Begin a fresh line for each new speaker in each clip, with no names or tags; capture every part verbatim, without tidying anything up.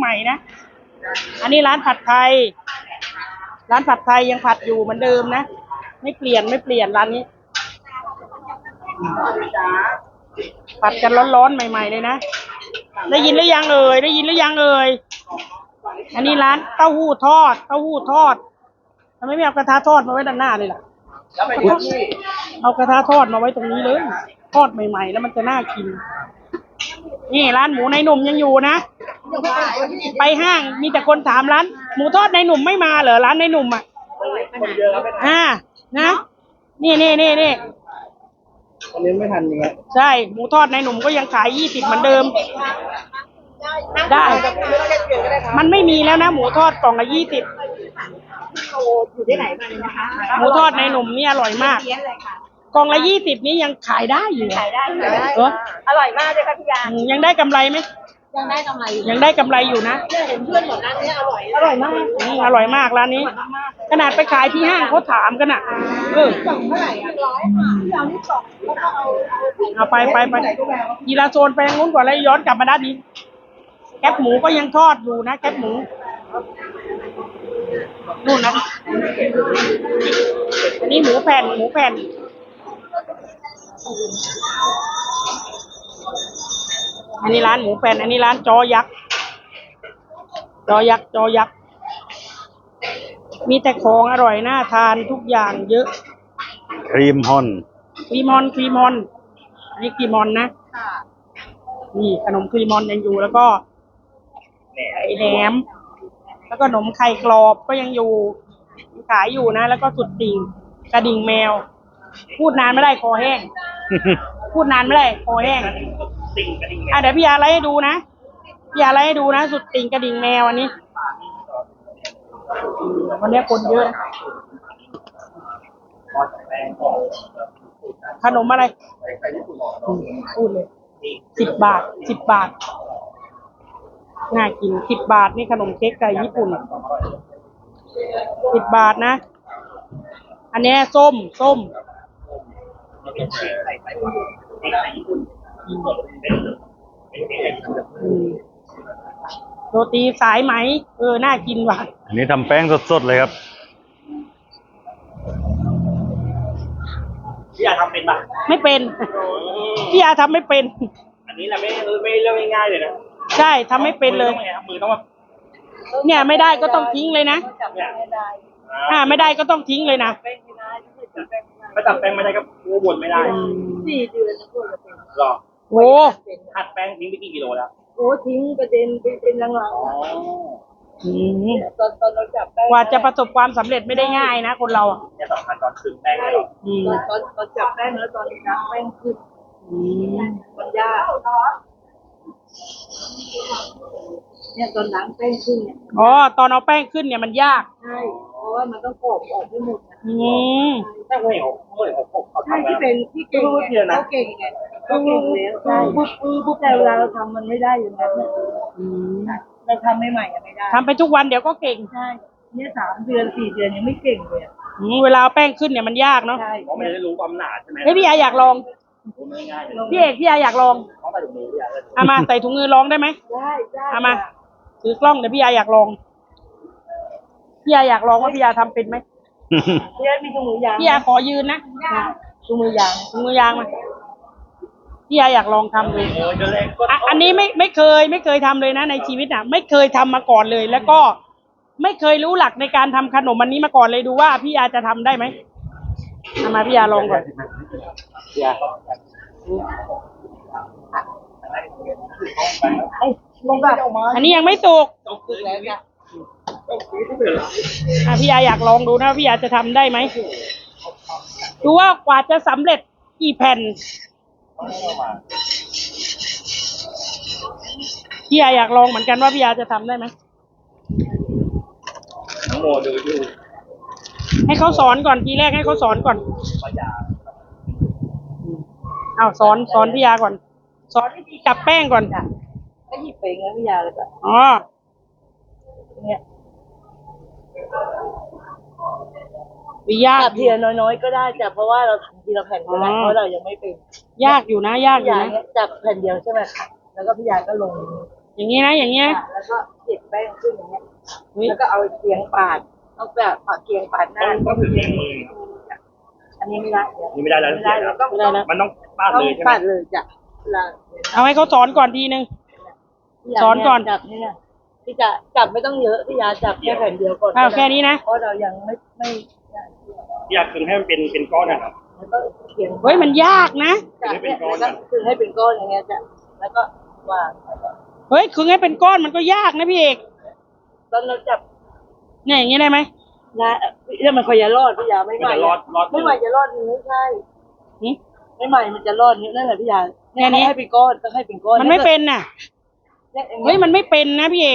ใหม่นะอันนี้ร้านผัดไทยร้านผัดไทยยังผัดอยู่เหมือนเดิมนะไม่เปลี่ยนไม่เปลี่ยนร้านนี้ผัดกันร้อนๆใหม่ๆเลยนะได้ยินหรือยังเอ่ยได้ยินหรือยังเอ่ยอันนี้ร้านเต้าหู้ทอดเต้าหู้ทอดทำไมไม่เอากระทะทอดมาไว้ด้านหน้าเลยล่ะเอากระทะทอดมาไว้ตรงนี้เลยทอดใหม่ๆแล้วมันจะน่ากินนี่ร้านหมูในหนุ่มยังอยู่นะไปห้างมีแต่คนถามร้านหมูทอดในหนุ่มไม่มาเหรอร้านในหนุ่มอ่ะอ่านะนี่นี่นี่นี่
วันนี้ไม่ทันจริงครับ
ใช่หมูทอดในหนุ่มก็ยังขายยี่สิบเหมือนเดิมได้มันไม่มีแล้วนะหมูทอดกล่องละยี่สิบ
อยู่ที่ไหนมาเลยนะคะ
หมูทอดในหนุ่มนี่อร่อยมากกล่องละยี่สิบนี้ยังขายได้อยู่
ขายได้ขายได้
เหรอ
อร่อยมากเลยค่ะพี่ยา
ยังได้กำไรไหม
ยังได้กำไร
ยังได้กำไรอยู่นะ
เห็นเพื่อนบอกร้านนี้อร่อยอร่อยมาก
อร่อยมากร้านนี้ขนาดไปขายที่ห้างเขาถามกันอ่ะเออก
ล่องเท่าไหร่อ่ะร้อยค่ะพี่เอานี่กล่องแล้วก็เอา
เอาไปไปไปยีราโซนไปทางนู้นก่อนแล้วย้อนกลับมาด้านนี้แคบหมูก็ยังทอดอยู่นะแคบหมูนู่นนะอันนี้หมูแผ่นหมูแผ่นอันนี้ร้านหมูแผ่นอันนี้ร้านจอยักษ์จอยักษ์จอยักษ์มีแต่ของอร่อยน่าทานทุกอย่างเยอะ
ครีมฮอน
ครีมอนครีมอนนี่ครีมอนนะนี่ขนมครีมอนยังอยู่แล้วก็ไข่แหนมแล้วก็ขนมไข่กรอบก็ยังอยู่ขายอยู่นะแล้วก็สุดดิ่งกระดิ่งแมวพูดนานไม่ได้คอแห้งพูดนานไม่ได้คอแห้งอ่ะเดี๋ยวพี่ยาไล่ให้ดูนะพี่ยาไล่ให้ดูนะสุดติ่งกระดิ่งแมวอันนี้วันนี้คนเยอะขนมอะไรพูดเลยสิบบาทสิบบาทน่ากินสิบบาทนี่ขนมเค้กไก่ญี่ปุ่นสิบบาทนะอันนี้ส้มส้มโรตีสายไหมเออน่ากินว่ะ
อันนี้ทำแป้งสดๆเลยครับ
พี่ยาทำเป็นปะ
ไม่เป็นพี่ยาทำไม่เป็น
อันนี้แหละไม่ไม่เรื่องง่ายๆเลยนะ
ใช่ทำไม่เป็นเลย
มือต้องแบบ
เนี่ยไม่ได้ก็ต้องทิ้งเลยนะอ่าไม่ได้ก็ต้องทิ้งเลยนะ
ถ้าจับแป้งไม่ได้ก็วนไม่ได้
สี่เดือนนะพวกเราเป็น
หรอ
โอ้
หัดแป้งทิ้งไปกี่กิโลแล้ว
โอ้ทิ้งกระเด็นไปเป็นลังๆอ๋อตอนตอนเราจับแป้ง
กว่าจะประสบความสำเร็จไม่ได้ง่ายนะคนเราอ่ะ
เนี่ยสำคัญตอนคืนแป้งเลย
ตอนตอนจับแป้งแล้วตอนจับแป้งขึ้นมันยากเนี่ยตอนล้างแป้งขึ้นเนี่ย
อ๋อตอนเอาแป้งขึ้นเนี่ยมันยาก
ใช่เพราะว่ามันต้องกรอบออกให้หมดนะ
อืม
แป้งเหนียวเหนียวหก
ใช่ที่เป็นที่เก่งเขาเก่งไงเขาเก่งแล้วใช่ปุ๊บปุ๊บแต่เวลาเราทำมันไม่ได้อย่างนั้นเราทำใหม่ๆไม่ได้
ทำไปทุกวันเดี๋ยวก็เก่ง
ใช่เนี่ยสามเดือนสี่เดือนยังไม่เก่งเลย
เวลาแป้งขึ้นเนี่ยมันยากเนาะ
ใช่เพราะมันจะรู้ความหนาใช่ไหม
เฮ้ยพี่ยาอยากลองพี่เอกพี่ยาอยากลองเอามาใส่ถุงมือลองได้ไหม
ได้ได้
เอามาถือกล้องเดี๋ยวพี่ยาอยากลองพี่ยาอยากลองว่าพี่ยาทำเป็นไหม
พี่ยามีถุงมือยาง
พี่ยาขอยืนนะ
ถุงมือยาง
ถุงมือยางมาพี่ยาอยากลองทำเลยอันนี้ไม่ไม่เคยไม่เคยทำเลยนะในชีวิตอ่ะไม่เคยทำมาก่อนเลยแล้วก็ไม่เคยรู้หลักในการทำขนมอันนี้มาก่อนเลยดูว่าพี่ยาจะทำได้ไหมเอามาพี่ยาลองก่อนอันนี้ยังไม่สุกอ่ะพี่ยาอยากลองดูนะพี่ยาจะทำได้ไหมดูว่ากว่าจะสำเร็จกี่แผ่นพี่ยาอยากลองเหมือนกันว่าพี่ยาจะทำได้ไหม
น้องโมดูดู
ให้เขาสอนก่อนทีแรกให้เขาสอนก่อนเอาสอนสอนพี่ยาก่อนสอนวิธีจับแป้งก่อน
ก็หยิบไปงั้นพี่ยาเลยจ้ะ
อ๋อ
เนี่ย
วิยาก
ทีละน้อยๆก็ได้จ้ะเพราะว่าเราทำทีละแผ่นก็ได้เพราะเรายังไม่เป็น
ยากอยู่นะยากอยู่นะ
จับแผ่นเดียวใช่ไหมคะแล้วก็พี่ยาก็ลง
อย่างนี้นะอย่างนี้นะ
แล้วก็เก็บแป้งขึ้นอย่างเงี้ย
อุ๊ย
แล้วก็เอาเกียงปาดเอาแบบปาดเกียงปาดห
ต้
น้า
องต้องถึงนิ้วมือ
อันนี้ไม่ได้
นี่ไม่ได้แล้ว
ไม่ได้เราต้อง
ไม่ได้แล้ว
มันต้องปาด
ต้อง
เลยใช่ไหม
ปาดเลยจ้ะเวลา
เอาให้เขาสอนก่อนทีนึง สอนก่อน
จับนี่นะพี่จะจับไม่ต้องเยอะพี่ยาจับแค่แผ่นเดียวก่อน
อ้าวแค่นี้นะ
เพราะเรายังไม่ไม่
อยากคึงให้มันเป็นเป็นก้อนนะครับ
แล้วก็เขียน
เฮ้ยมันยากนะ
จับเนี่ยแล้วก็คือให้เป็นก้อนอย่างเงี้ยจ้ะแล้วก็วาง
เฮ้ยคือให้เป็นก้อนมันก็ยากนะพี่เอก
ตอนเราจับ
เนี่ยอย่างนี้ได้ไหม
นะเนี่ยมันคอยจะรอดพี่ยาไม่
มัน
ใหม่
จะรอดรอด
ไม่ใหม่จะรอดนี้ไม่ใช่
หึ
ไม่ใหม่มันจะรอดนี้นั่นแหละพี่ยา
แค่นี้
ให้เป็นก้อนก็ให้เป็นก้อน
มันไม่เป็นน่ะ
เนี่ยอย่าง
เฮ้
เงี้
ย
ย
มันไม่เป็นนะพี่เอก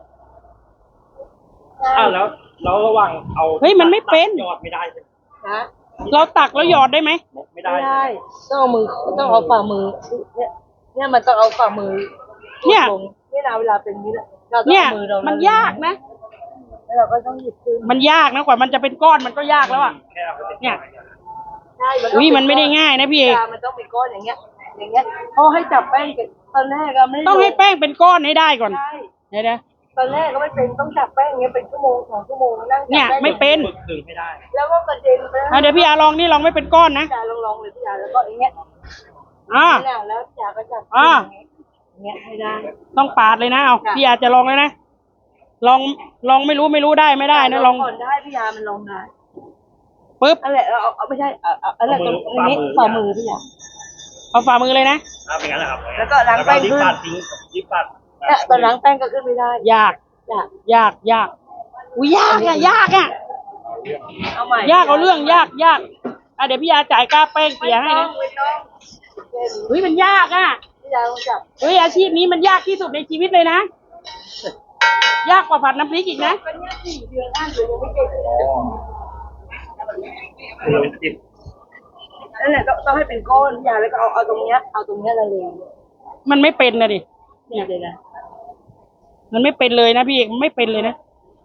อ้าวแล้วแล้วระหว่างเอา
เฮ้ยมันไม่เป็น
ยอดไม่ได้ใช่ไหม
นะ
เราตักแล้วหยอดได้ไหม
ไม่ได้
ไม่ได้ต้องเอามือต้องเอาฝ่ามือเนี่ยเนี่ยมันต้องเอาฝ่ามือ
เนี่ย
ลงนี่นะเวลาเป็นนี้แหละเราต้อง
เนี่ย
เอามือเรา
มันยากนะ
แล้วเราก็ต้องหยิบขึ้น
มันยากนะกว่ามันจะเป็นก้อนมันก็ยากแล้วอ่ะ
แค่เอาไปติด
เนี่ย
ใช่
อุ้ยมันไม่ได้ง่ายนะพี่เอก
มันต้องเป็นก้อนอย่างเงี้ย อย่างเงี้ยเขาให้จับแป้งกันตอนแรกก็ไม่
ต้องให้แป้งเป็นก้อนให้ได้ก่อน
ใช่
เดี๋ยวนะ
ตอนแรกก็ไม่เป็นต้องจับแป้งอย่างเงี้ยเป็นชั่วโมงสองชั่วโมงนั่งจับ
เนี่ย
แป้ง
ไม่เป็น
ฝึกคึงให้ได้
แล้วก็กระเด็นไป
อ่ะเดี๋ยวพี่อาลองนี่ลองไม่เป็นก้อนนะ
พี่ยาลองๆเลยพี่ยาแล้วก็อย่างเงี้ย
อ่า
นี่แหละแล้วพี่ยาก็จับ
อ่า
อย่างเงี้ยให้ได้
ต้องปาดเลยนะเอา
จ้ะ
พี่อาจะลองเลยนะ ลองลองไม่รู้ไม่รู้ได้ไม่ได้นะลอง
ก่อนได้พี่ยามันลองได้
ปึ๊บ
อะไรเอาเอาเอาไม่ใช่เอาเอาอะไรตรงนี้ฝ่ามือพี่ยา
เอาฝ่ามือเลยนะ
อ่าเป็นงั้นแหละครับ
แล้วก็ล้างแป้ง
รีบ
ขึ้น
ปาดทิ้งรีบปาด
เนี่ยตอนล้างแป้งก็ขึ้นไม่ได้
ยาก
จ้ะ
ยากยากอุ้ยยากอ่ะยากอ่ะ
เอาใหม่
ยากเอาเรื่องยากยากอ่ะเดี๋ยวพี่อาจ่ายค่าแป้งเสียให้
ไม่ต้อ
นะ
งไม่ต้องแค่นี้
เฮ้ยมันยากอ่ะ
พี่ยาลองจับ
เฮ้ยอาชีพนี้มันยากที่สุดในชีวิตเลยนะ ยากกว่าผัดน้ำพริกอีกนะ
ก็เนี่ยสี่เดือนห้าเดือนยังไม่เก่งเลย
เราเป็นติด
นั่นแหละต้องต้องให้เป็นก้อนพี่ยาแล้วก็เอาเอาตรงเนี้ยเอาตรงเนี้ยละเลง
มันไม่เป็นนะดิ
เนี่ยเลยนะ
มันไม่เป็นเลยนะพี่เอกมันไม่เป็นเลยนะ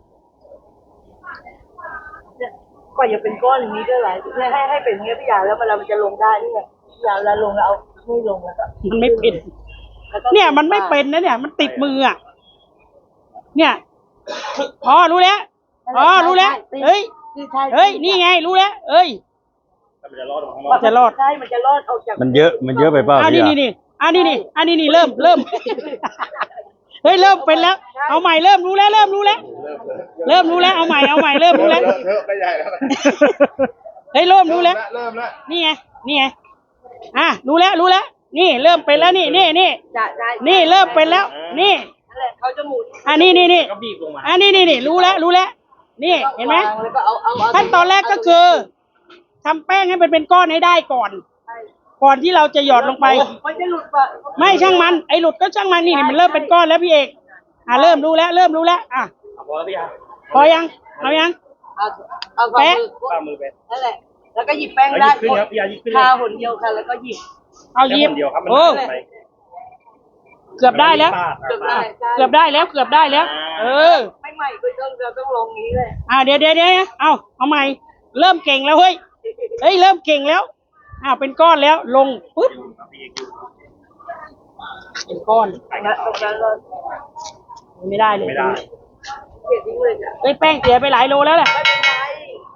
เนี่ยกว่าจะเป็นก้อนอย่างนี้ก็หลายเนี่ยให้ให้เป็นอย่างเงี้ยพี่ยาแล้วเวลามันจะลงได้นี่ไงพี่ยาเวลาลงแล้วเอาไม่ลงแล้วก็
มันไม่เป็น
แล้วก็
เนี่ยมันไม่เป็นนะเนี่ย มันติดมืออ่ะ เนี่ยอ๋อรู้แล้วอ๋อรู้แล้วเฮ้ย
ใช่
เฮ้ยนี่ไงรู้แล้วเอ้ย
แต่มันจะรอดออกข้างน
มั
อก
นจะรอด
ใช่มันจะรอดออกจาก
มันเยอะมันเยอะไปเปล่า
อ่า
พี่
นี่
อะ
นี่นี่อ่านี่นี่อ่านี่นี่เริ่มเริ่ม เฮ้ยเริ่มเป็นแล้ว เอาใหม่เริ่มรู้แล้วเริ่มรู้แล้ว เริ่มรู้แล้วเอาใหม่เอาใหม่เริ่มรู้แล้ว
เถอะไปใหญ่แล้ว
เฮ้ยเริ่มรู้แล้ว
เริ่มแล้ว
นี่ไงนี่ไงอ่ะรู้แล้วรู้แล้ว นี่เริ่มเป็นแล้วนี่นี่นี่
จะได้
นี่เริ่มเป็นแล้ว นี่
นั่นแหละเขาจะหมุน
อ่ะนี่นี่นี่
ก็บีบลงมา
อ่ะนี่นี่นี่รู้แล้วรู้แล้ว นี่เห็นไหม
วางแล้วก็เอาเอาเอา
ขั้นตอนแรกก็คือทำแป้งให้มันเป็นก้อนให้ได้ก่อน
ใช่
ก่อนที่เราจะหยอดลงไป
มันจะหลุดปะ
ไม่ช่างมันไอ้หลุดก็ช่างมันนี่นี่มันเริ่มเป็นก้อนแล้วพี่เอกอ่ะเริ่มรู้แล้วเริ่มรู้แล้วอ่ะ
เอาพอแล้วพี่อา
พอยังเอายัง
เอาเอาฝ่า
แปะ
มือ
ฝ่ามือไป
นั่นแหละ แล้วก็หยิบแป้ง
เอาห
ได้
ยิบขึ้นครับพี่อาหยิบขึ้นเลย
คาหนเดียวค่ะ แล้วก็หยิบ
เอาหยิบ
แค่คนเดียวครับมัน
โอ้
หนักไป
เกือบได้แล้ว
เกือบได้ใช่
เกือบได้แล้วเกือบได้แล้ว เออ
ไม่ใหม่ก็ต้องเราต้องลงนี้เลย
อ่าเดี๋ยวเดี๋ยวเดี๋ยวเอาเอาใหม่ เริ่มเก่งแล้วเฮ้ยเฮ้ยเริ่มเก่งแล้วอ่าเป็นก้อนแล้วลงปุ๊บเป็นก้อน
ตรงนั้นตรงนั้นเรา
ไม่ได้เลย
ไม่ได้
เกลียดทิ้งเลยจ้ะ
เฮ้ยแป้งเสียไปหลายโลแล้วแหละ
ไม่เป็นไร